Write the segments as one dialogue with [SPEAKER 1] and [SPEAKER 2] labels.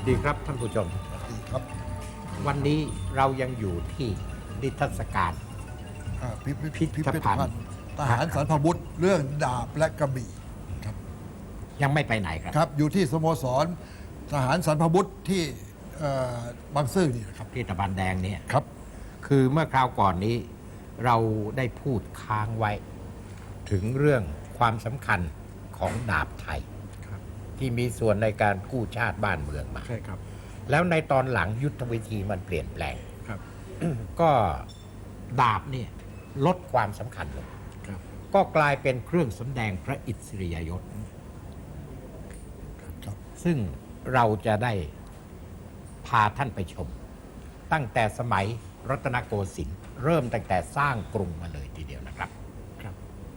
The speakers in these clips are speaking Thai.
[SPEAKER 1] ดีครับท่านผู้ชม
[SPEAKER 2] ดีครับ
[SPEAKER 1] วันนี้เรายังอยู่ที่นิทรรศการ
[SPEAKER 2] พิพิธภัณฑ์ทหารสรรพบุรุษเรื่องดาบและกระบี่ครับ
[SPEAKER 1] ยังไม่ไปไหนครับ
[SPEAKER 2] ครับอยู่ที่สโมสรทหารสรรพบุรุษที่บางซื่อนี่นะครับ
[SPEAKER 1] ที่ตะบันแดงเนี่ย
[SPEAKER 2] ครับ
[SPEAKER 1] คือเมื่อคราวก่อนนี้เราได้พูดค้างไว้ ถึงเรื่องความสำคัญของดาบไทย ที่มีส่วนในการกู้ชาติบ้านเมืองมา
[SPEAKER 3] ใช่ครับ
[SPEAKER 1] แล้วในตอนหลังยุทธวิธีมันเปลี่ยนแปลง
[SPEAKER 3] ครับ
[SPEAKER 1] ก็ดาบเนี่ยลดความสำคัญลง
[SPEAKER 3] ครับ
[SPEAKER 1] ก็กลายเป็นเครื่องสำแดงพระอิสริยยศ
[SPEAKER 2] ครับ
[SPEAKER 1] ซึ่งเราจะได้พาท่านไปชม ตั้งแต่สมัยรัตนโกสินทร์เริ่มตั้งแต่สร้างกรุงมาเลยทีเดียวนะครับ
[SPEAKER 3] ครับ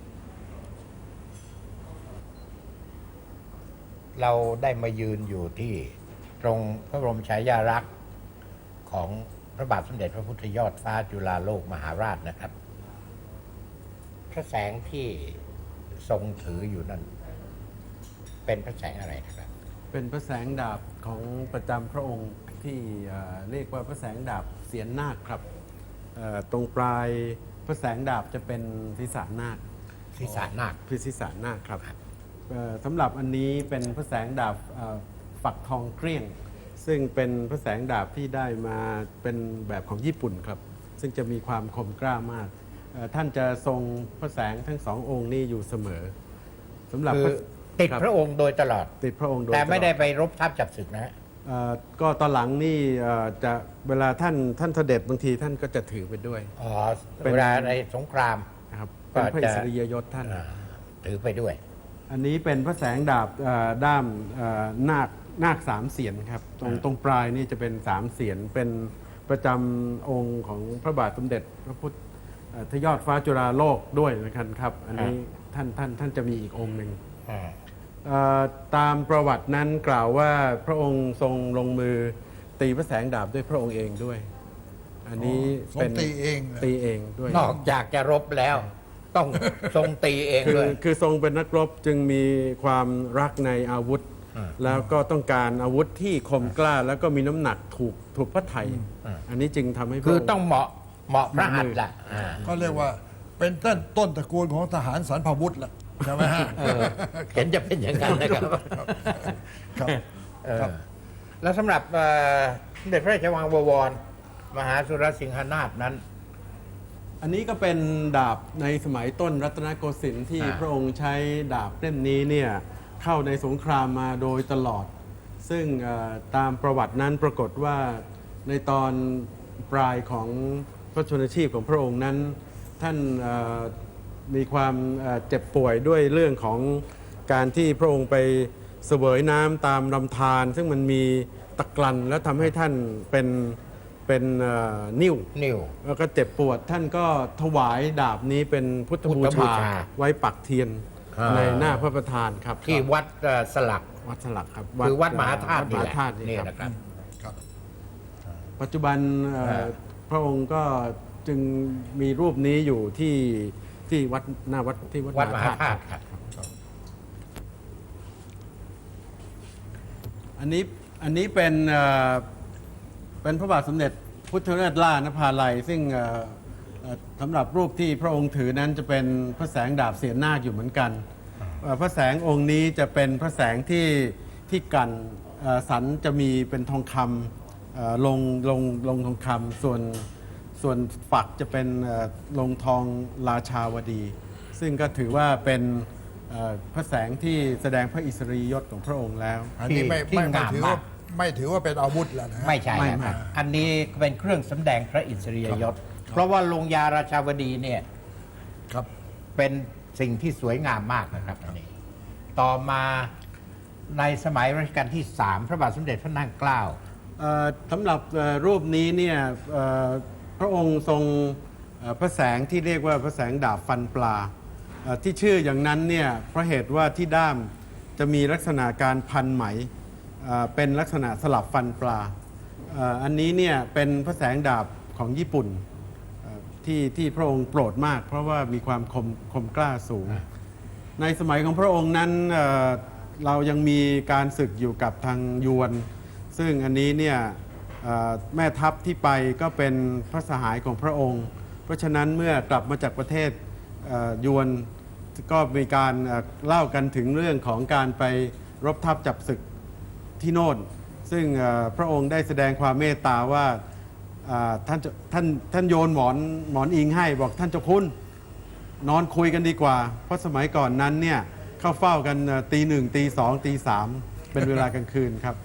[SPEAKER 1] เราได้มายืนอยู่ที่ตรงพระบรมฉายาลักษณ์ของพระบาทสมเด็จพระพุทธยอดฟ้าจุฬาโลกมหาราชนะครับ พระแสงที่ทรงถืออยู่นั้นเป็นพระแสงอะไรนะครับ
[SPEAKER 3] เป็นพระแสงดาบของประจำพระองค์ที่เรียกว่าพระแสงดาบเสียนนาคครับตรงปลายพระแสงดาบจะเป็นศีรษะนาค
[SPEAKER 1] ศีรษะนาค
[SPEAKER 3] คือศีรษะนาคครับสำหรับอันนี้เป็นพระแสงดาบฝักทองเกลี้ยง ซึ่งเป็นพระแสงดาบที่ได้มาเป็นแบบของญี่ปุ่นครับ ซึ่งจะมีความคมกล้ามากท่านจะทรงพระแสงทั้งสององค์นี้อยู่เสมอสำหรับ
[SPEAKER 1] คือติดพระองค์โดยตลอด
[SPEAKER 3] ติดพระองค์โดย
[SPEAKER 1] แต่ไม่
[SPEAKER 3] ตลอ
[SPEAKER 1] ได้ไปรบทับจับศึกนะฮะ
[SPEAKER 3] ก็ตอนหลังนี่จะเวลาท่านเสด็จบางทีท่านก็จะถือไปด้วย
[SPEAKER 1] อ๋อ
[SPEAKER 3] เป็น
[SPEAKER 1] เวลาในสงคราม
[SPEAKER 3] นะครับ
[SPEAKER 1] ก็
[SPEAKER 3] เป็นพระ
[SPEAKER 1] จะ
[SPEAKER 3] อิสริยยศท่าน
[SPEAKER 1] ถือไปด้วย
[SPEAKER 3] อันนี้เป็นพระแสงดาบด้ามนาคสามเสียนครับตรงปลายนี่จะเป็นสามเสียนเป็นประจำองค์ของพระบาทสมเด็จพระพุทธยอดฟ้าจุฬาโลกด้วยนะครับอันนี้ท่านจะมีอีกองค์หนึ่งตามประวัตินั้นกล่าวว่าพระองค์ทรงลงมือตีพระแสงดาบด้วยพระองค์เองด้วย อันนี้เป็น
[SPEAKER 2] ทรงตีเองเลย
[SPEAKER 3] ตีเองด้วย
[SPEAKER 1] นอกจากจะรบแล้ว ต้องทรงตีเองด้วย
[SPEAKER 3] คือทรงเป็นนักรบจึงมีความรักในอาวุธ แล้วก็ต้องการอาวุธที่คมกล้า แล้วก็มีน้ำหนักถูกพระไทย อันนี้จึงทำให้พระ
[SPEAKER 1] คือ
[SPEAKER 3] องค์
[SPEAKER 1] ต้องเหมาะพระหัตถ์ละ
[SPEAKER 2] ก็เรียกว่าเป็นต้นตระกูลของทหารสรรพบุรุษละใช่ไหมฮะ
[SPEAKER 1] เห็นจะเป็นอย่างนั้นนะครับ
[SPEAKER 2] ครับ ครับ
[SPEAKER 1] แล้วสำหรับสมเด็จพระราชวังบวร มหาสุรสิงหนาถนั้น
[SPEAKER 3] อันนี้ก็เป็นดาบในสมัยต้นรัตนโกสินทร์ที่พระองค์ใช้ดาบเล่มนี้เนี่ยเข้าในสงครามมาโดยตลอด ซึ่งตามประวัตินั้นปรากฏว่าในตอนปลายของพระชนชีพของพระองค์นั้น ท่านมีความเจ็บป่วยด้วยเรื่องของการที่พระองค์ไปเสวยน้ำตามลำธารซึ่งมันมีตะกรันแล้วทำให้ท่านเป็นนิ่ว แล้วก็เจ็บปวดท่านก็ถวายดาบนี้เป็นพุทธบู
[SPEAKER 1] พุทธบู
[SPEAKER 3] ชา
[SPEAKER 1] ชา
[SPEAKER 3] ไว้ปักเทียนในหน้าพระประธานครับ
[SPEAKER 1] ที่วัดสลัก
[SPEAKER 3] วัดสลักครับ
[SPEAKER 1] คือวัดมหาธาตุ
[SPEAKER 3] วัดมหาธาตุ
[SPEAKER 1] นี่
[SPEAKER 3] นี่
[SPEAKER 1] แห
[SPEAKER 3] ค
[SPEAKER 1] ละ
[SPEAKER 3] รับ
[SPEAKER 1] ครับ
[SPEAKER 2] ครับ
[SPEAKER 3] ปัจจุบันพระองค์ก็จึงมีรูปนี้อยู่ที่วัดหน้าวัดที่วัด
[SPEAKER 1] วัดมหาธาตุ
[SPEAKER 3] ครับ
[SPEAKER 1] ครับ
[SPEAKER 3] อันนี้เป็นพระบาทสมเด็จพุทธเลิศล่านภาลัยซึ่งสำหรับรูปที่พระองค์ถือนั้นจะเป็นพระแสงดาบเสียนนาคอยู่เหมือนกันพระแสงองค์นี้จะเป็นพระแสงที่กันสันจะมีเป็นทองคำลงทองคำส่วนฝักจะเป็นลงทองราชาวดี ซึ่งก็ถือว่าเป็นพระแสงที่แสดงพระอิสริยยศของพระองค์แล้ว
[SPEAKER 2] อันนี้ไม่
[SPEAKER 1] ที่
[SPEAKER 2] ไม่
[SPEAKER 1] งาม
[SPEAKER 2] ถือ
[SPEAKER 1] มา
[SPEAKER 2] ว่าก ไม่ถือว่าเป็นอาวุธแล้วนะฮะ
[SPEAKER 1] ไม่ใช่
[SPEAKER 3] ไม่
[SPEAKER 1] นะครับ
[SPEAKER 3] ไม่
[SPEAKER 1] อันนี้เป็นเครื่องสำแดงพระอิสริยยศ เพราะว่าลงยาราชาวดีเนี่ย
[SPEAKER 2] ครับ
[SPEAKER 1] เป็นสิ่งที่สวยงามมากนะครับอันนี้ ต่อมาในสมัยรัชกาลที่ 3 พระบาทสมเด็จพระนั่งเกล้า
[SPEAKER 3] สำหรับรูปนี้เนี่ยพระองค์ทรงพระแสงที่เรียกว่าพระแสงดาบฟันปลาที่ชื่ออย่างนั้นเนี่ยเพราะเหตุว่าที่ด้ามจะมีลักษณะการพันไหมเป็นลักษณะสลับฟันปลาอันนี้เนี่ยเป็นพระแสงดาบของญี่ปุ่นที่พระองค์โปรดมาก เพราะว่ามีความคมกล้าสูง ในสมัยของพระองค์นั้นเรายังมีการศึกอยู่กับทางยวนซึ่งอันนี้เนี่ยแม่ทัพที่ไปก็เป็นพระสหายของพระองค์ เพราะฉะนั้นเมื่อกลับมาจากประเทศยวนก็มีการเล่ากันถึงเรื่องของการไปรบทัพจับศึกที่โน่น ซึ่งพระองค์ได้แสดงความเมตตาว่าท่านโยนหมอนอิงให้บอกท่านเจ้าคุณนอนคุยกันดีกว่า เพราะสมัยก่อนนั้นเนี่ยเข้าเฝ้ากันตีหนึ่งตีสองตีสามเป็นเวลากลางคืนครับ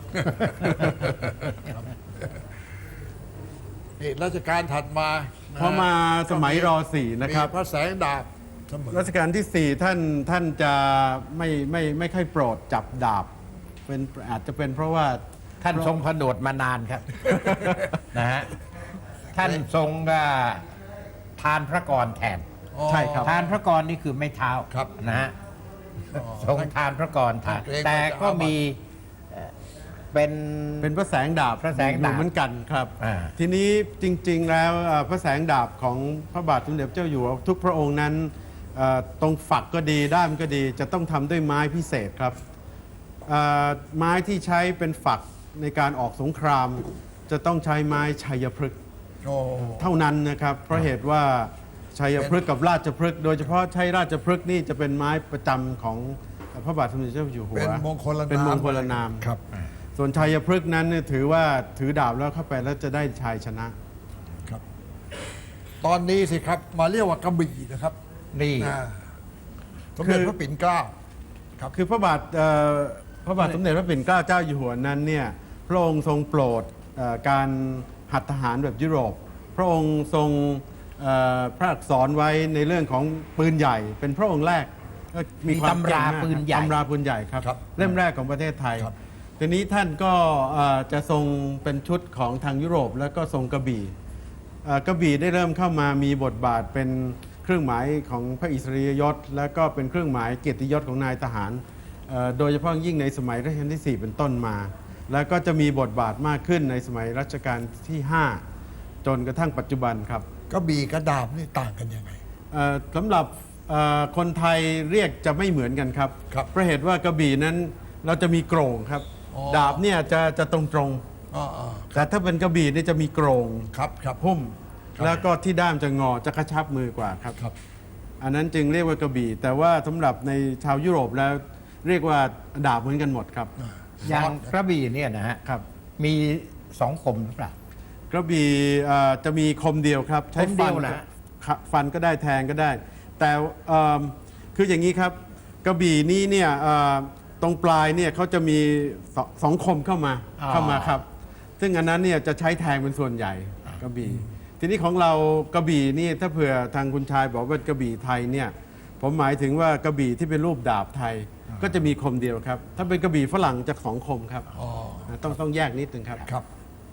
[SPEAKER 2] นี่รัชกาลถัดมานะ
[SPEAKER 3] พอมาสมัยรอสี่นะครับ
[SPEAKER 2] มีพระแสงดาบเสมอ
[SPEAKER 3] รัชกาลที่ 4 ท่านจะไม่ค่อยโปรดจับดาบเป็นอาจจะเป็นเพราะว่า
[SPEAKER 1] ท่านทรงผนวดมานานครับ นะฮะท่านทรงทานพระกรแทน
[SPEAKER 3] ใช่ครับ
[SPEAKER 1] ทานพระกรนี่คือไม่เท้า
[SPEAKER 2] ครับ
[SPEAKER 1] นะฮะทรงทานพระกรทาน
[SPEAKER 2] เกรงว่าจะ
[SPEAKER 1] แต่ก็มีเป็น
[SPEAKER 3] เป็นพระแสงดาบ
[SPEAKER 1] พระแสงดาบ
[SPEAKER 3] อยู่เหมือนกันครับ
[SPEAKER 1] อ่า
[SPEAKER 3] ทีนี้จริงๆแล้วพระแสงดาบของพระบาทสมเด็จพระเจ้าอยู่หัวทุกพระองค์นั้นตรงฝักก็ดีด้ามก็ดีจะต้องทำด้วยไม้พิเศษครับไม้ที่ใช้เป็นฝักในการออกสงคราม จะต้องใช้ไม้ชัยพฤกษ์
[SPEAKER 2] โอ้
[SPEAKER 3] เท่านั้นนะครับ เพราะเหตุว่าชัยพฤกษ์กับราชพฤกษ์โดยเฉพาะใช้ราชพฤกษ์นี่จะเป็นไม้ประจำของพระบาทสมเด็จเจ้าอยู่หัว
[SPEAKER 2] เป็นมงคลนาม
[SPEAKER 3] เป็นมงคลนาม
[SPEAKER 2] ครับ
[SPEAKER 3] ส่วนชัยพฤกษ์นั้นเนี่ยถือว่าถือดาบแล้วเข้าไปแล้วจะได้ชัยชนะ
[SPEAKER 2] ครับ ตอนนี้สิครับมาเรียกว่ากระบี่นะครับ
[SPEAKER 1] นี่
[SPEAKER 2] อ่าสมเด็จพระปิ่นเกล้าครับ
[SPEAKER 3] คือพระบาทสมเด็จพระปิ่นเกล้าเจ้าอยู่หัวนั้นเนี่ยพระองค์ทรงโปรดการหัดทหารแบบยุโรป พระองค์ทรงพระอักษรไว้ในเรื่องของปืนใหญ่ เป็นพระองค์แรกก็มีความ
[SPEAKER 1] ตำรา
[SPEAKER 3] เก่งมก
[SPEAKER 1] ปืนใหญ่
[SPEAKER 3] ตำราปืนใหญ่ครับ
[SPEAKER 2] ครับ
[SPEAKER 3] เล่มแรกของประเทศไทย
[SPEAKER 2] ครับ
[SPEAKER 3] ทีนี้ท่านก็จะทรงเป็นชุดของทางยุโรปแล้วก็ทรงกระบี่กระบี่ได้เริ่มเข้ามามีบทบาทเป็นเครื่องหมายของพระอิสริยยศ และก็เป็นเครื่องหมายเกียรติยศของนายทหารโดยเฉพาะยิ่งในสมัยรัชกาลที่ 4 เป็นต้นมา แล้วก็จะมีบทบาทมากขึ้นในสมัยรัชกาลที่ 5 จนกระทั่งปัจจุบันครับ
[SPEAKER 2] กระบี่กับดาบนี่ต่างกันยังไง
[SPEAKER 3] สำหรับคนไทยเรียกจะไม่เหมือนกันครับ
[SPEAKER 2] ครับ
[SPEAKER 3] เพราะเหตุว่ากระบี่นั้นเราจะมีโกร่งครับ
[SPEAKER 2] อ๋อ
[SPEAKER 3] ดาบเนี่ยจะตรงๆ
[SPEAKER 2] อ๋อ
[SPEAKER 3] แต่ถ้าเป็นกระบี่นี่จะมีโกรง
[SPEAKER 2] ครับครับ
[SPEAKER 3] พุ่ม
[SPEAKER 2] ครับ
[SPEAKER 3] แล้วก็ที่ด้ามจะงอจะกระชับมือกว่าครับ
[SPEAKER 2] ครับ
[SPEAKER 3] อันนั้นจึงเรียกว่ากระบี่ แต่ว่าสำหรับในชาวยุโรปแล้วเรียกว่าดาบเหมือนกันหมดครับ
[SPEAKER 1] อย่างกระบี่เนี่ยนะฮะ
[SPEAKER 3] ครับ
[SPEAKER 1] มีสองคมหรือเปล่า
[SPEAKER 3] กระบี่จะมีคมเดียวครับ ใช้
[SPEAKER 1] คมเดี
[SPEAKER 3] ฟั
[SPEAKER 1] ย
[SPEAKER 3] น
[SPEAKER 1] วนะ
[SPEAKER 3] ครับฟันก็ได้แทงก็ได้ แต่คืออย่างนี้ครับกระบี่นี้เนี่ยตรงปลายเนี่ยเขาจะมีสองคมเข้ามาครับ ซึ่งอันนั้นเนี่ยจะใช้แทงเป็นส่วนใหญ่กระบี่ ทีนี้ของเรากระบี่นี่ถ้าเผื่อทางคุณชายบอกว่ากระบี่ไทยเนี่ยผมหมายถึงว่ากระบี่ที่เป็นรูปดาบไทยก็จะมีคมเดียวครับ ถ้าเป็นกระบี่ฝรั่งจะสองคมครับ
[SPEAKER 2] อ๋อ
[SPEAKER 3] ต้องแยกนิดนึงครับ
[SPEAKER 2] ครับ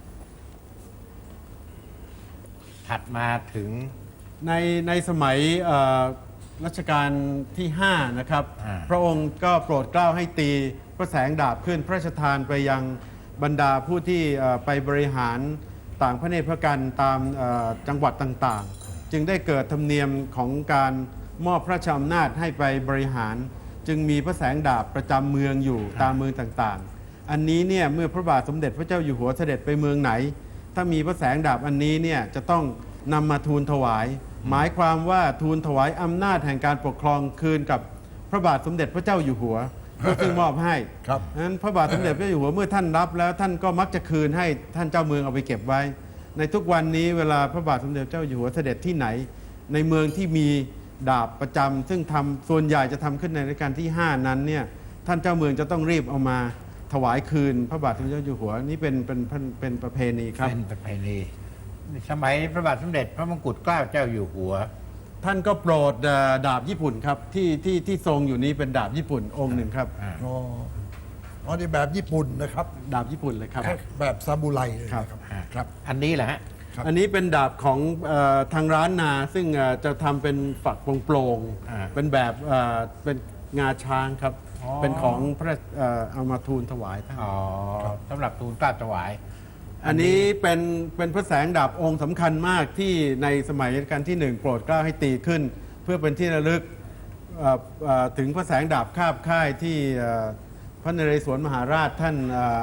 [SPEAKER 1] ถัดมาถึง
[SPEAKER 3] ในสมัยรัชกาลที่ 5 นะครับ
[SPEAKER 1] อ่า
[SPEAKER 3] พระองค์ก็โปรดเกล้าให้ตีพระแสงดาบขึ้นพระราชทานไปยังบรรดาผู้ที่ไปบริหารต่างพระเนตรพระกันตามจังหวัดต่างๆ จึงได้เกิดธรรมเนียมของการมอบพระราชอำนาจให้ไปบริหาร จึงมีพระแสงดาบประจำเมืองอยู่ตามเมืองต่างๆ อันนี้เนี่ยเมื่อพระบาทสมเด็จพระเจ้าอยู่หัวเสด็จไปเมืองไหน ถ้ามีพระแสงดาบอันนี้เนี่ยจะต้องนำมาทูลถวาย หมายความว่าทูลถวายอำนาจแห่งการปกครองคืนกับพระบาทสมเด็จพระเจ้าอยู่หัว ซึ่งมอบให้
[SPEAKER 2] ครับ
[SPEAKER 3] นั้นพระบาทสมเด็จพระเจ้าอยู่หัวเมื่อท่านรับแล้วท่านก็มักจะคืนให้ท่านเจ้าเมืองเอาไปเก็บไว้ ในทุกวันนี้เวลาพระบาทสมเด็จพระเจ้าอยู่หัวเสด็จที่ไหน ในเมืองที่มีดาบประจำซึ่งทำส่วนใหญ่จะทำขึ้นในรัชกาลที่ 5 นั้นเนี่ยท่านเจ้าเมืองจะต้องรีบเอามาถวายคืน พระบาทสมเด็จพระเจ้าอยู่หัวนี่เป็นประเพณีครับ
[SPEAKER 1] เป็นประเพณีสมัยพระบาทสมเด็จพระมงกุฎเกล้าเจ้าอยู่หัว
[SPEAKER 3] ท่านก็โปรดดาบญี่ปุ่นครับที่ทรงอยู่นี้เป็นดาบญี่ปุ่นองค์หนึ่งครับ
[SPEAKER 2] อ๋ออ๋อนี่แบบญี่ปุ่นนะครับ
[SPEAKER 3] ดาบญี่ปุ่นเลยครับ
[SPEAKER 2] แบบซามูไรเลยนะครับ ครับ
[SPEAKER 1] อันนี้แหละฮะ
[SPEAKER 2] ครับ
[SPEAKER 3] อันนี้เป็นดาบของทางร้านนาซึ่งจะทำเป็นฝักโปร่ง
[SPEAKER 1] อ่า
[SPEAKER 3] ๆเป็นแบบเป็นงาช้างครับ
[SPEAKER 1] อ๋อ
[SPEAKER 3] เป็นของพระเอามาทูลถวายท่าน
[SPEAKER 1] อ๋อสำหรับทูลเกล้าถวาย
[SPEAKER 3] อันนี้เป็นพระแสงดาบองค์สำคัญมากที่ในสมัยรัชกาลที่ 1 โปรดเกล้าให้ตีขึ้น เพื่อเป็นที่ระลึกถึงพระแสงดาบคาบค่ายที่พระนเรศวรมหาราชท่านค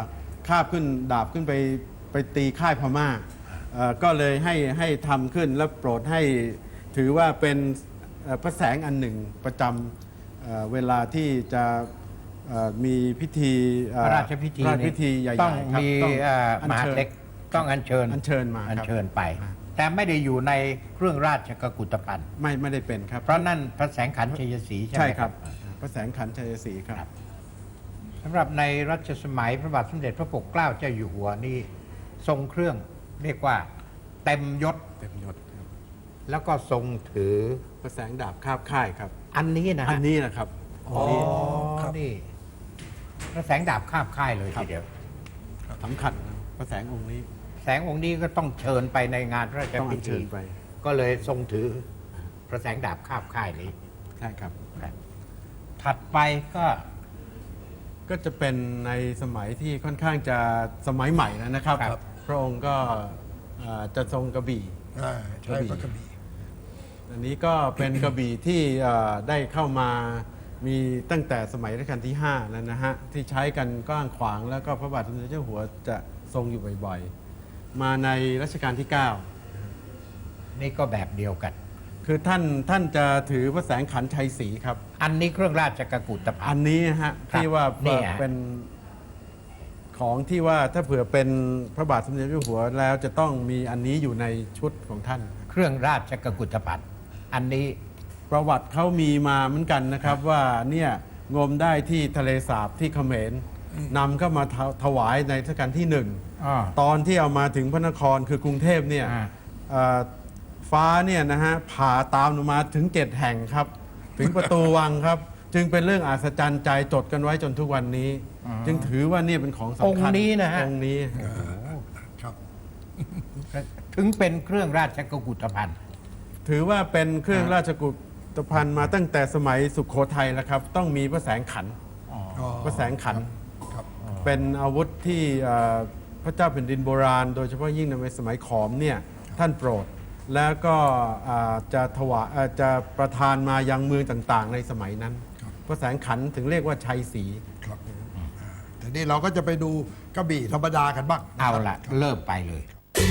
[SPEAKER 3] คาบขึ้นดาบขึ้นไปตีค่ายพม่าก็เลยให้ทำขึ้นและโปรดให้ถือว่าเป็นพระแสงอันหนึ่งประจำเวลาที่จะมีพิธี
[SPEAKER 1] พระราชพิธี
[SPEAKER 3] พระราชพิธีใหญ่ๆ
[SPEAKER 1] ต้อง
[SPEAKER 3] ครับ
[SPEAKER 1] มี
[SPEAKER 3] อัญ
[SPEAKER 1] มหา
[SPEAKER 3] เชิญ
[SPEAKER 1] ดเล็กต้องอัญเชิญ
[SPEAKER 3] อัญเชิญมา
[SPEAKER 1] อัญ
[SPEAKER 3] ครับ
[SPEAKER 1] เชิญไป แต่ไม่ได้อยู่ในเครื่องราชกุฏภัณฑ์
[SPEAKER 3] ไม่ได้เป็นครับ
[SPEAKER 1] เพราะนั่นพระแสงขันธ์ชัยศรีใช่ไห
[SPEAKER 3] ใช่
[SPEAKER 1] ม
[SPEAKER 3] ค
[SPEAKER 1] ค
[SPEAKER 3] รั
[SPEAKER 1] รั
[SPEAKER 3] บบ พระแสงขันธ์ชัยศรีครับ
[SPEAKER 1] สำหรับในรัชสมัยพระบาทสมเด็จพระปกเกล้าเจ้าอยู่หัวนี่ทรงเครื่องเรียกว่าเต็มยศ
[SPEAKER 3] เต็มยศครับ
[SPEAKER 1] แล้วก็ทรงถือ
[SPEAKER 3] พระแสงดาบคาบค่ายครับ
[SPEAKER 1] อันนี้นะ
[SPEAKER 3] อั
[SPEAKER 1] ฮะ
[SPEAKER 3] นนี้นะครับ
[SPEAKER 1] อ๋อนี่พระแสงดาบคาบค่ายเลยทีเดียว
[SPEAKER 3] สำคัญนะพระแสงองค์นี้
[SPEAKER 1] แสงองค์นี้ก็ต้องเชิญไปในงานพระราช
[SPEAKER 3] ต้องอั
[SPEAKER 1] พิ
[SPEAKER 3] ญเชิ
[SPEAKER 1] ธี
[SPEAKER 3] ญไป
[SPEAKER 1] ก็เลยทรงถือพระแสงดาบคาบค่ายนี้
[SPEAKER 3] ใช่ครับ
[SPEAKER 1] ถัดไปก็
[SPEAKER 3] ก็จะเป็นในสมัยที่ค่อนข้างจะสมัยใหม่แล้วนะครับ
[SPEAKER 1] ครับ
[SPEAKER 3] พระองค์ก็จะทรงกระบี่
[SPEAKER 2] ใช้พระกระบี่
[SPEAKER 3] อันนี้ก็เป็นกระบี่ที่ได้เข้ามามีตั้งแต่สมัยรัชกาลที่ 5 แล้วนะฮะ ที่ใช้กันกว้างขวางแล้วก็พระบาทสมเด็จเจ้าหัวจะทรงอยู่บ่อยๆ มาในรัชกาลที่
[SPEAKER 1] นี่ก็แบบเดียวกัน
[SPEAKER 3] 9 คือท่านจะถือพระแสงขันธ์ชัยศรีครับ
[SPEAKER 1] อันนี้เครื่องราชกุฏภั
[SPEAKER 3] อั
[SPEAKER 1] ณ
[SPEAKER 3] น
[SPEAKER 1] ฑ์
[SPEAKER 3] นี้นะฮะ
[SPEAKER 1] ครับ
[SPEAKER 3] ที่ว่า
[SPEAKER 1] นี่ฮะ
[SPEAKER 3] เป็นของที่ว่าถ้าเผื่อเป็นพระบาทสมเด็จเจ้าหัวแล้วจะต้องมีอันนี้อยู่ในชุดของท่าน
[SPEAKER 1] เครื่องราชกุฏภัณฑ์อันนี้
[SPEAKER 3] ประวัติเขามีมาเหมือนกันนะครับว่าเนี่ยงมได้ที่ทะเลสาบที่เขมรนำเข้ามาถวายในรัชกาลที่
[SPEAKER 1] อ่า
[SPEAKER 3] 1 ตอนที่เอามาถึงพระนครคือกรุงเทพเนี่ย
[SPEAKER 1] อ่า
[SPEAKER 3] ฟ้าเนี่ยนะฮะผ่าตามลงมาถึง 7 แห่งครับ ถึงประตูวังครับ จึงเป็นเรื่องอัศจรรย์ใจจดกันไว้จนทุกวันนี้ จึงถือว่าเนี่ยเป็นของสำคัญ
[SPEAKER 1] องค์นี้นะฮะ
[SPEAKER 3] องค์นี้
[SPEAKER 2] ครับ
[SPEAKER 1] ถึงเป็นเครื่องราชกุฏภัณฑ์
[SPEAKER 3] ถือว่าเป็นเครื่องราชกุฏภัณฑ์มาตั้งแต่สมัยสุขโขทัยแล้วครับ ต้องมีพระแสงขันธ์ พระแสงขันธ์
[SPEAKER 2] ครับ
[SPEAKER 3] เป็นอาวุธที่พระเจ้าแผ่นดินโบราณ โดยเฉพาะยิ่งในสมัยขอมเนี่ยท่านโปรด แล้วก็จะถวายจะประทานมายังเมืองต่างๆ ในสมัยนั้น พระแสงขันธ์ถึงเรียกว่าชัยศรี
[SPEAKER 2] ครับแต่นี่เราก็จะไปดูกระบี่ธรรมดากันบ้างน
[SPEAKER 1] เอา
[SPEAKER 2] ครับ
[SPEAKER 1] ละเริ่มไปเลย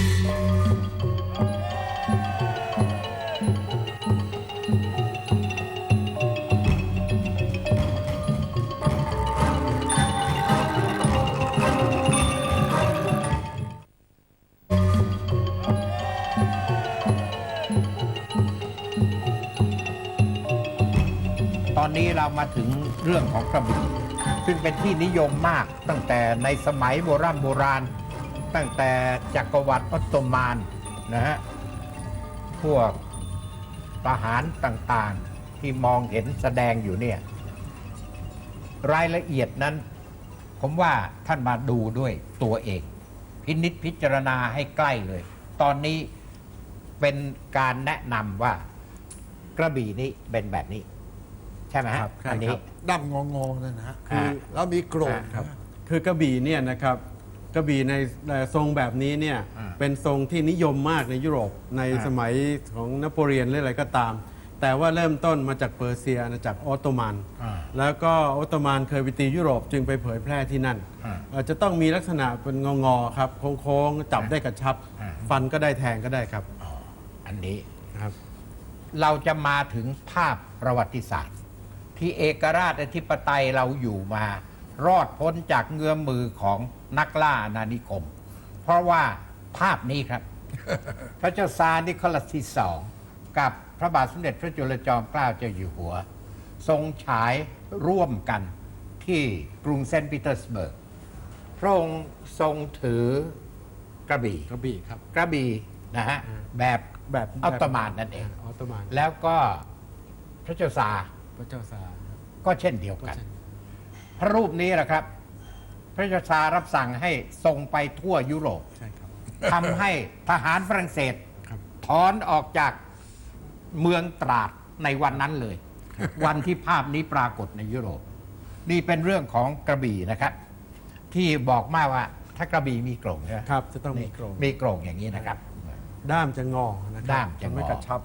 [SPEAKER 1] ตอนนี้เรามาถึงเรื่องของกระบี่ซึ่งเป็นที่นิยมมากตั้งแต่ในสมัยโบราณ ตั้งแต่จักรวรรดิออตโตมันนะฮะพวกทหารต่างๆที่มองเห็นแสดงอยู่เนี่ยรายละเอียดนั้น ผมว่าท่านมาดูด้วยตัวเองพินิจพิจารณาให้ใกล้เลย ตอนนี้เป็นการแนะนำว่ากระบี่นี้เป็นแบบนี้ ใช่ไหมฮะ
[SPEAKER 3] ครับใช่
[SPEAKER 1] อันนี้
[SPEAKER 3] ครับ
[SPEAKER 2] ด้ามงอๆนั่นนะฮะ
[SPEAKER 1] อ่า
[SPEAKER 2] แล้วมีโกรธ
[SPEAKER 3] ครับ คือกระบี่เนี่ยนะครับกระบี่ในทรงแบบนี้เนี่ย
[SPEAKER 1] อ่า
[SPEAKER 3] เป็นทรงที่นิยมมากในยุโรปใน
[SPEAKER 1] อ่า
[SPEAKER 3] สมัยของนโปเลียนหรืออะไรก็ตาม แต่ว่าเริ่มต้นมาจากเปอร์เซียอาณาจักรออตโตมัน
[SPEAKER 1] อ่า
[SPEAKER 3] แล้วก็ออตโตมันเคยไปตียุโรปจึงไปเผยแพร่ที่นั่น จะต้องมีลักษณะเป็นงอๆครับโค้งๆจับได้กระชับ
[SPEAKER 1] อ่า
[SPEAKER 3] ฟันก็ได้แทงก็ได้ครับ
[SPEAKER 1] อันนี้
[SPEAKER 3] ครับ
[SPEAKER 1] เราจะมาถึงภาพประวัติศาสตร์ ที่เอกราชอธิปไตยเราอยู่มา รอดพ้นจากเงื้อมมือของนักล่าอาณานิคม เพราะว่าภาพนี้ครับ พระเจ้าซาร์นิโคลัสที่สองกับพระบาทสมเด็จพระจุลจอมเกล้าเจ้าอยู่หัว ทรงฉายร่วมกันที่กรุงเซนต์ปีเตอร์สเบิร์กพระองค์ทรงถือกระบี่
[SPEAKER 3] กระบี่ครับ
[SPEAKER 1] กระบี่นะฮะแบบ
[SPEAKER 3] แบบ
[SPEAKER 1] ออตโตมันนั่นเอง
[SPEAKER 3] ออตโตมัน
[SPEAKER 1] แล้วก็พระเจ้าซาร์
[SPEAKER 3] พระเจ้าซาร์
[SPEAKER 1] ก็เช่นเดียว
[SPEAKER 3] ก็
[SPEAKER 1] กัน
[SPEAKER 3] เช่น
[SPEAKER 1] พระรูปนี้แหละครับ พระเจ้าซาร์รับสั่งให้ส่งไปทั่วยุโรป
[SPEAKER 3] ใช่ครับ
[SPEAKER 1] ทำให้ทหารฝรั่งเศส
[SPEAKER 3] ครับ
[SPEAKER 1] ถอนออกจากเมืองตราดในวันนั้นเลย วันที่ภาพนี้ปรากฏในยุโรป นี่เป็นเรื่องของกระบี่นะครับ ที่บอกมาว่าถ้ากระบี่มีโกรงใช่ไหม
[SPEAKER 3] ครับจะต้องมีโกรง
[SPEAKER 1] มีโกรงอย่างนี้นะครับ
[SPEAKER 3] ด้ามจะงอนะครั
[SPEAKER 1] ด้ามจะงอ
[SPEAKER 3] ไม่กระชับ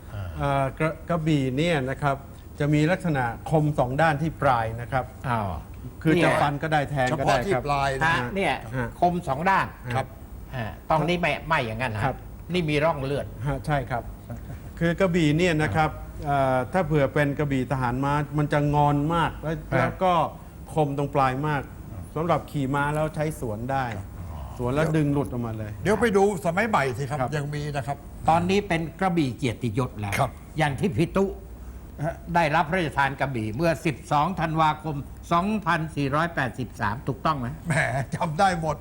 [SPEAKER 3] กระบี่เนี่ยนะครับจะมีลักษณะคมสองด้านที่ปลายนะครับ
[SPEAKER 1] อ้าว
[SPEAKER 3] คือ
[SPEAKER 1] เนี่ย
[SPEAKER 3] จะฟันก็ได้แทง
[SPEAKER 2] เฉ
[SPEAKER 3] ก็
[SPEAKER 2] พาะ
[SPEAKER 3] ได้
[SPEAKER 2] ที่
[SPEAKER 3] ครับ
[SPEAKER 2] ปลายนะ
[SPEAKER 1] ฮะเนี่ย
[SPEAKER 3] ฮะ
[SPEAKER 1] คมสองด้าน
[SPEAKER 2] ครับ
[SPEAKER 1] ต้องนี่ไม่อย่างนั้นนะครับ นี่มีร่องเลือด
[SPEAKER 3] ฮะใช่ครับ คือกระบี่เนี่ยนะครับถ้าเผื่อเป็นกระบี่ทหารม้ามันจะงอนมากแล้วก็คมตรงปลายมากสำหรับขี่ม้าแล้วใช้สวนได้ สวนแล้วดึงหลุดออกมาเลย
[SPEAKER 2] เดี๋ยวไปดูสมัยใหม่สิครับ
[SPEAKER 3] ครับ
[SPEAKER 2] ยังมีนะครับ
[SPEAKER 1] ตอนนี้เป็นกระบี่เกียรติยศแล้ว
[SPEAKER 2] ครับ
[SPEAKER 1] อย่างที่พิตุได้รับพระราชทานกระบี่เมื่อ 12 ธันวาคม 2483 ถูกต้องไหม
[SPEAKER 2] แหมจำได้หมด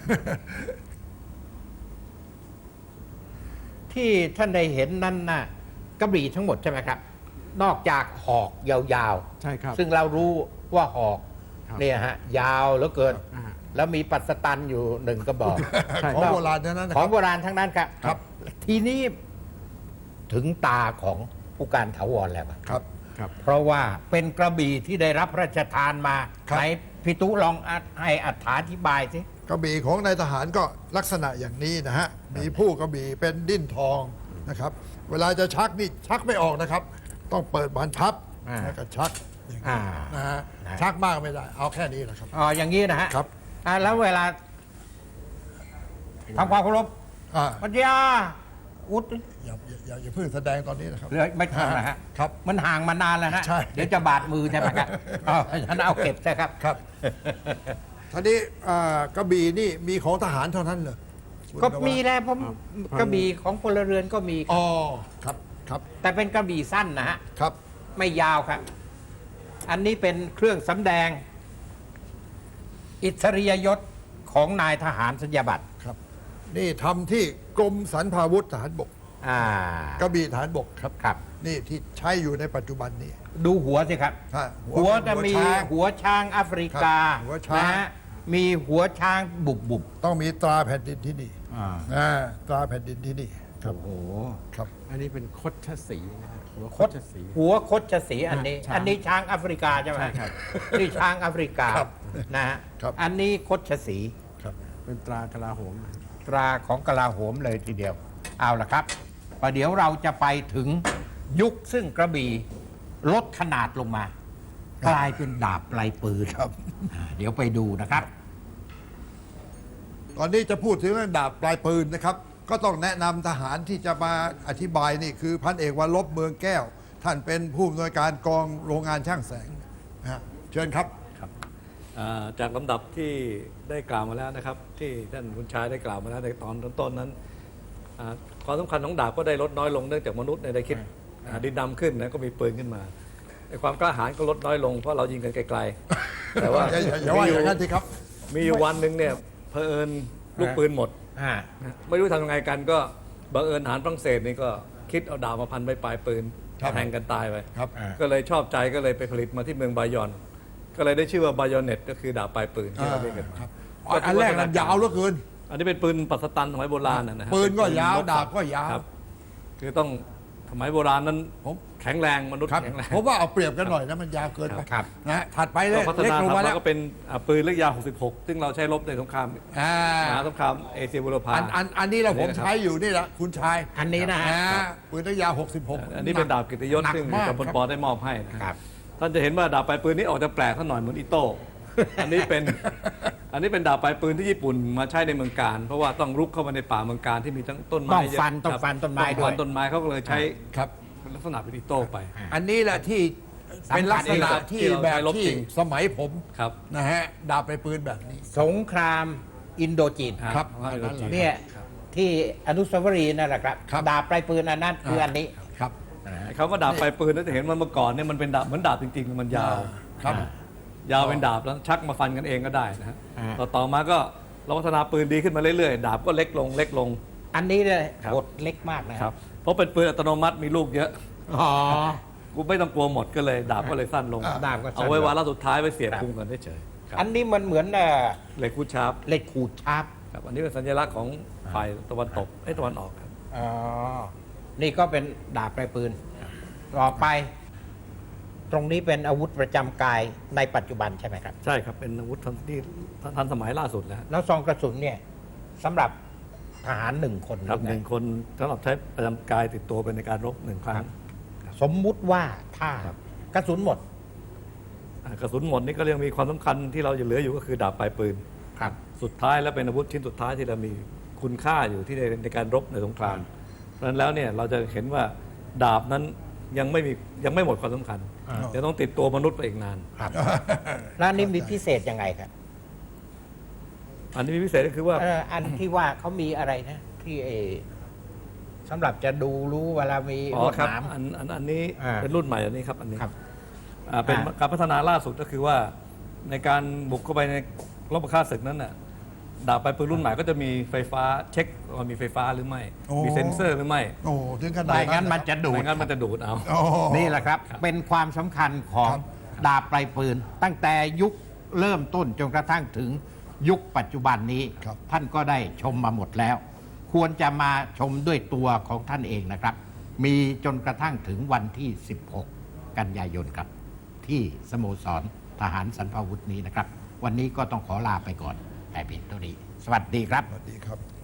[SPEAKER 1] ที่ท่านได้เห็นนั้นน่ะกระบี่ทั้งหมดใช่ไหมครับ นอกจากหอกยาว
[SPEAKER 3] ใช่ครับ
[SPEAKER 1] ๆ ซึ่งเรารู้ว่าหอก
[SPEAKER 3] ครับ
[SPEAKER 1] เนี่ยฮะยาวเหลือเกิน
[SPEAKER 3] อ่า
[SPEAKER 1] แล้วมีปัสตันอยู่หนึ่งกระบอก
[SPEAKER 3] ใช่
[SPEAKER 2] ของโบราณทั้งนั้นนะ
[SPEAKER 1] ข
[SPEAKER 2] ค
[SPEAKER 1] อ
[SPEAKER 2] รั
[SPEAKER 1] ง
[SPEAKER 2] บ
[SPEAKER 1] โบราณทั้งนั้นครับ
[SPEAKER 2] ครับ
[SPEAKER 1] ทีนี้ถึงตาของผู้การถาวรแล้วครับ
[SPEAKER 2] ครับ
[SPEAKER 3] ครับ
[SPEAKER 1] เพราะว่าเป็นกระบี่ที่ได้รับพระราชทานมา
[SPEAKER 2] ครับ
[SPEAKER 1] ไหนพิตุลองให้อธิบายสิ
[SPEAKER 2] กระบี่ของนายทหารก็ลักษณะอย่างนี้นะฮะ มีผู้กระบี่เป็นดิ้นทองนะครับ เวลาจะชักนี่ชักไม่ออกนะครับ ต้องเปิดบานพับ
[SPEAKER 1] อ่า
[SPEAKER 2] แล้วก็ชักอย่างนี้
[SPEAKER 1] อ่า
[SPEAKER 2] นะฮะ
[SPEAKER 1] นะ
[SPEAKER 2] ชักมากไม่ได้ เอาแค่นี้แหละครับ
[SPEAKER 1] อ๋ออย่างนี้นะฮะ
[SPEAKER 2] ครับ
[SPEAKER 1] แล้วเวลาทำความเคารพ
[SPEAKER 2] อ่า
[SPEAKER 1] ปัญญาอุด
[SPEAKER 2] อย่าเพิ่งแสดงตอนนี้นะครับ
[SPEAKER 1] เหลือไม่ทันนะฮะ
[SPEAKER 2] ครับ
[SPEAKER 1] มันห่างมานานแล้วฮะ
[SPEAKER 2] ใช่
[SPEAKER 1] เดี๋ยวจะบาดมือใช่ไหมครับอ๋อฉันเอาเก็บใช่ครับ
[SPEAKER 2] ครับทีนี้กระบี่นี่มีของทหารเท่านั้นเหรอคุณ
[SPEAKER 1] ก็
[SPEAKER 2] นวัด
[SPEAKER 1] มีแล้วผม
[SPEAKER 3] ครับ
[SPEAKER 1] กระบี่ของพลเรือนก็มี
[SPEAKER 2] อ๋อครับครับ
[SPEAKER 1] แต่เป็นกระบี่สั้นนะฮะ
[SPEAKER 2] ครับ
[SPEAKER 1] ไม่ยาวครับ อันนี้เป็นเครื่องสำแดง อิสริยยศของนายทหารสัญญาบัตร
[SPEAKER 2] ครับ นี่ทำที่กรมสรรพาวุธทหารบก กระบี่ทหารบกครับ
[SPEAKER 1] ครับ
[SPEAKER 2] นี่ที่ใช้อยู่ในปัจจุบันนี้
[SPEAKER 1] ดูหัวสิครับ
[SPEAKER 2] ฮะ
[SPEAKER 1] หัวจะมี
[SPEAKER 2] ช้าง
[SPEAKER 1] หัวช้างแอฟริกา
[SPEAKER 2] ครับหัวช้าง
[SPEAKER 1] นะฮะมีหัวช้างบุบบุบ
[SPEAKER 2] ต้องมีตราแผ่นดินที่นี่
[SPEAKER 1] อ่า
[SPEAKER 2] ตราแผ่นดินที่นี่ครับ
[SPEAKER 1] โอ้โห
[SPEAKER 2] ครับ
[SPEAKER 3] อันนี้เป็นคดชสีนะฮะหัวค
[SPEAKER 1] ค
[SPEAKER 3] ด
[SPEAKER 1] ด
[SPEAKER 3] ชสี
[SPEAKER 1] หัวคดชสีอันนี้
[SPEAKER 3] ช้าง
[SPEAKER 1] อันนี้ช้างแอฟริกาใช่ไหม
[SPEAKER 3] ใช่ครับ
[SPEAKER 1] นี่ช้างแอฟริกา
[SPEAKER 2] ครับ
[SPEAKER 1] นะฮะ
[SPEAKER 2] ครับ
[SPEAKER 1] อันนี้คดชสี
[SPEAKER 2] ครับ
[SPEAKER 3] เป็นตรากลาโหม
[SPEAKER 1] ตราของกลาโหมเลยทีเดียว เอาละครับประเดี๋ยวเราจะไปถึงยุคซึ่งกระบี่ลดขนาดลงมา กลายเป็นดาบปลายปืน
[SPEAKER 2] ครับ
[SPEAKER 1] เดี๋ยวไปดูนะครับ
[SPEAKER 2] ตอนนี้จะพูดถึงเรื่องดาบปลายปืนนะครับ ก็ต้องแนะนำทหารที่จะมาอธิบายนี่คือพันเอกวรลบเมืองแก้ว ท่านเป็นผู้อำนวยการกองโรงงานช่างแสงนะฮะเชิญครับ
[SPEAKER 4] จากลำดับที่ได้กล่าวมาแล้วนะครับ ที่ท่านคุณชายได้กล่าวมาแล้วในตอนต้นๆนั้นความสำคัญของดาบก็ได้ลดน้อยลงเนื่องจากมนุษย์ได้คิดดินดำขึ้นนะก็มีปืนขึ้นมาไอ้ความกล้าหาญก็ลดน้อยลงเพราะเรายิงกันไกลๆแต่ว่า
[SPEAKER 2] อย่าว่าอย่างนั้นสิครับ
[SPEAKER 4] มีอยู่วันหนึ่งเนี่ยเผอิญลูกปืนหมด ไม่รู้ทำยังไงกันก็บังเอิญทหารฝรั่งเศสนี่ก็คิดเอาดาบมาพันไปปลายปืน
[SPEAKER 2] ครับ
[SPEAKER 4] แทงกันตายไป
[SPEAKER 2] ครับ
[SPEAKER 4] ก็เลยชอบใจก็เลยไปผลิตมาที่เมืองบายอน ก็เลยได้ชื่อว่าบายอนเน็ตก็คือดาบปลายปืนที่เราเรียกกันมา
[SPEAKER 2] ครับอันแรกนั้นยาวเหลือเกิน
[SPEAKER 4] อันนี้เป็นปืนปัสตันสมัยโบราณนะฮะ
[SPEAKER 2] ปืนก็
[SPEAKER 4] เป็
[SPEAKER 2] ยาว
[SPEAKER 4] รบ
[SPEAKER 2] ดาบก็ยาว
[SPEAKER 4] ครับคือต้องสมัยโบราณนั้น
[SPEAKER 2] ผม
[SPEAKER 4] แข็งแรงมนุษย์
[SPEAKER 2] ครับ
[SPEAKER 4] แข็งแรง
[SPEAKER 2] ผมว่าเอาเปรียบกันหน่อยนะมันยาวเกินไป
[SPEAKER 1] ครับ
[SPEAKER 2] นะฮะถัดไปเล
[SPEAKER 4] ก็
[SPEAKER 2] ย
[SPEAKER 4] พัฒ
[SPEAKER 2] เล็ก
[SPEAKER 4] นา
[SPEAKER 2] ลง
[SPEAKER 4] ทำ
[SPEAKER 2] มา
[SPEAKER 4] แล้
[SPEAKER 2] แล้ว ว
[SPEAKER 4] ก็เป็นปืนเล็กยาว 66 ซึ่งเราใช้รบในสงคราม
[SPEAKER 2] อ่าม
[SPEAKER 4] หาสงครามเอเชียบุรพา
[SPEAKER 2] อันนี้แหละผม
[SPEAKER 4] นะครับ
[SPEAKER 2] ใช้อยู่นี่แหละคุณชาย
[SPEAKER 1] อันนี้นะฮะ
[SPEAKER 2] ปืนระยะ66
[SPEAKER 4] อันนี้เป็นดาบกิตติยศ
[SPEAKER 2] หนัก
[SPEAKER 4] ซึ่ง
[SPEAKER 2] มาก
[SPEAKER 4] กำพล
[SPEAKER 2] ครับ
[SPEAKER 4] ปอได้มอบให้นะ
[SPEAKER 1] ค
[SPEAKER 4] ค
[SPEAKER 1] รั
[SPEAKER 4] รับ บท่านจะเห็นว่าดาบปลายปืนนี้ออกจะแปลกท่านหน่อยเหมือนอิโต้ อันนี้เป็นดาบปลายปืนที่ญี่ปุ่นมาใช้ในเมืองการ เพราะว่าต้องรุกเข้ามาในป่าเมืองการที่มีทั้งต้นไม้
[SPEAKER 1] ต้องฟัน
[SPEAKER 4] เยะ
[SPEAKER 1] ต้อง
[SPEAKER 4] ครับ
[SPEAKER 1] ฟันต้นไม้
[SPEAKER 4] ต้อง
[SPEAKER 1] ด้วย
[SPEAKER 4] ฟันต้นไม้เขาก็เลยใช้
[SPEAKER 2] ครับ
[SPEAKER 4] ลักษณะเป็นอิโต้ไป
[SPEAKER 2] อันนี้แหละที่เป็นลักษณะที่
[SPEAKER 4] ที่เรา
[SPEAKER 2] แบบ
[SPEAKER 4] ใช้รบ
[SPEAKER 2] ที่
[SPEAKER 4] จริง
[SPEAKER 2] สมัยผม
[SPEAKER 4] ครับ
[SPEAKER 2] นะฮะดาบไปปืนแบบนี้
[SPEAKER 1] สงครามอินโดจีน
[SPEAKER 2] ครับ
[SPEAKER 4] อันนั้นแหละ
[SPEAKER 1] เนี่ยที่อนุสาวรีย์นั่นแหละครับ
[SPEAKER 2] ครับ
[SPEAKER 1] ดาบปลายปืนอันนั้นคืออันนี้
[SPEAKER 2] ครับ
[SPEAKER 4] คำว่าดาบปลายปืนนั่นจะเห็นว่าเมื่อก่อนเนี่ยมันเป็นดาบเหมือนดาบจริงๆมันยาว
[SPEAKER 2] ครับ
[SPEAKER 4] ยาวเป็นดาบแล้วชักมาฟันกันเองก็ได้นะฮะ
[SPEAKER 1] อ่า
[SPEAKER 4] ต่อมาก็เราพัฒนาปืนดีขึ้นมาเรื่อยๆ ดาบก็เล็กลงเล็กลง
[SPEAKER 1] อันนี้เลย
[SPEAKER 4] ครับ
[SPEAKER 1] บทเล็กมากนะ
[SPEAKER 4] ครับเพราะเป็นปืนอัตโนมัติมีลูกเยอะ
[SPEAKER 1] อ๋อ
[SPEAKER 4] กูไม่ต้องกลัวหมดก็เลยดาบก็เลยสั้นลง
[SPEAKER 1] ดาบก็สั้น
[SPEAKER 4] เอาไว้วาระสุดท้ายไปเสียบ
[SPEAKER 1] ครับ
[SPEAKER 4] พุงกันเฉยๆครับ
[SPEAKER 1] อันนี้มันเหมือน
[SPEAKER 4] เหล็กคูดชาร์ป
[SPEAKER 1] เหล็กขูดชาร์ป
[SPEAKER 4] ครับอันนี้เป็นสัญลักษณ์ของฝ่ายตะวันตกตะวันออกครับ
[SPEAKER 1] อ๋อ นี่ก็เป็นดาบปลายปืน ต่อไป ตรงนี้เป็นอาวุธประจำกายในปัจจุบันใช่ไหมครับ
[SPEAKER 4] ใช่ครับเป็นอาวุธที่ทันสมัยล่าสุดแล้ว
[SPEAKER 1] แล้วซองกระสุนเนี่ยสำหรับทหารหนึ่งคน
[SPEAKER 4] ครับ
[SPEAKER 1] รือ
[SPEAKER 4] ห
[SPEAKER 1] ไง
[SPEAKER 4] นึ่งคนสำหรับใช้ประจำกายติดตัวเป็นในการรบหนึ่งครั้ง
[SPEAKER 1] สมมุติว่าถ้า
[SPEAKER 4] ครับ
[SPEAKER 1] กระสุนหมด
[SPEAKER 4] กระสุนหมดนี่ก็ยังมีความสำคัญที่เราจะเหลืออยู่ก็คือดาบปลายปืน
[SPEAKER 1] ครับ
[SPEAKER 4] สุดท้ายและเป็นอาวุธชิ้นสุดท้ายที่เรามีคุณค่าอยู่ที่ในการรบในสงคราม เพราะฉะนั้นแล้วเนี่ยเราจะเห็นว่าดาบนั้นยังไม่หมดความสำคัญ
[SPEAKER 1] อ่า
[SPEAKER 4] จะต้องติดตัวมนุษย์ไปอีกนาน
[SPEAKER 1] ครับ แล้วอันนี้มีพิเศษยังไงครับ
[SPEAKER 4] อันนี้มีพิเศษก็คือว่า
[SPEAKER 1] อันที่ว่าเขามีอะไรนะ ที่สำหรับจะดูรู้เวลามี
[SPEAKER 4] อ๋อ
[SPEAKER 1] ลวด
[SPEAKER 4] ครับ
[SPEAKER 1] หนาม
[SPEAKER 4] อันนี้
[SPEAKER 1] อ่า
[SPEAKER 4] เป็นรุ่นใหม่อันนี้ครับอันนี้
[SPEAKER 1] ครับ
[SPEAKER 4] เป็น
[SPEAKER 1] อ่า
[SPEAKER 4] การพัฒนาล่าสุดก็คือว่าในการบุกเข้าไปในรบฆ่าศึกนั้นน่ะดาบปลายปืนรุ่นใหม่ก็จะมีไฟฟ้าเช็คว่ามีไฟฟ้าหรือไม่
[SPEAKER 2] โอ้
[SPEAKER 4] มีเซ็นเซอร์หรือไม่
[SPEAKER 2] โอ้ถึงขนาด
[SPEAKER 1] ไม่งั้นมันจะดูด
[SPEAKER 4] ไม่งั้นมันจะดูดเอา
[SPEAKER 2] โอ้
[SPEAKER 1] นี่แหละครับ เป็นความสำคัญของ
[SPEAKER 2] ครับ
[SPEAKER 1] ดาบปลายปืน ตั้งแต่ยุคเริ่มต้นจนกระทั่งถึงยุคปัจจุบันนี้
[SPEAKER 2] ครับ
[SPEAKER 1] ท่านก็ได้ชมมาหมดแล้ว ควรจะมาชมด้วยตัวของท่านเองนะครับ มีจนกระทั่งถึงวันที่ 16 กันยายนครับ ที่สโมสรทหารสรรพาวุธนี้นะครับ วันนี้ก็ต้องขอลาไปก่อนแต่เพียงเท่านี้ สวัสดีครับ
[SPEAKER 2] สวัสดีครับ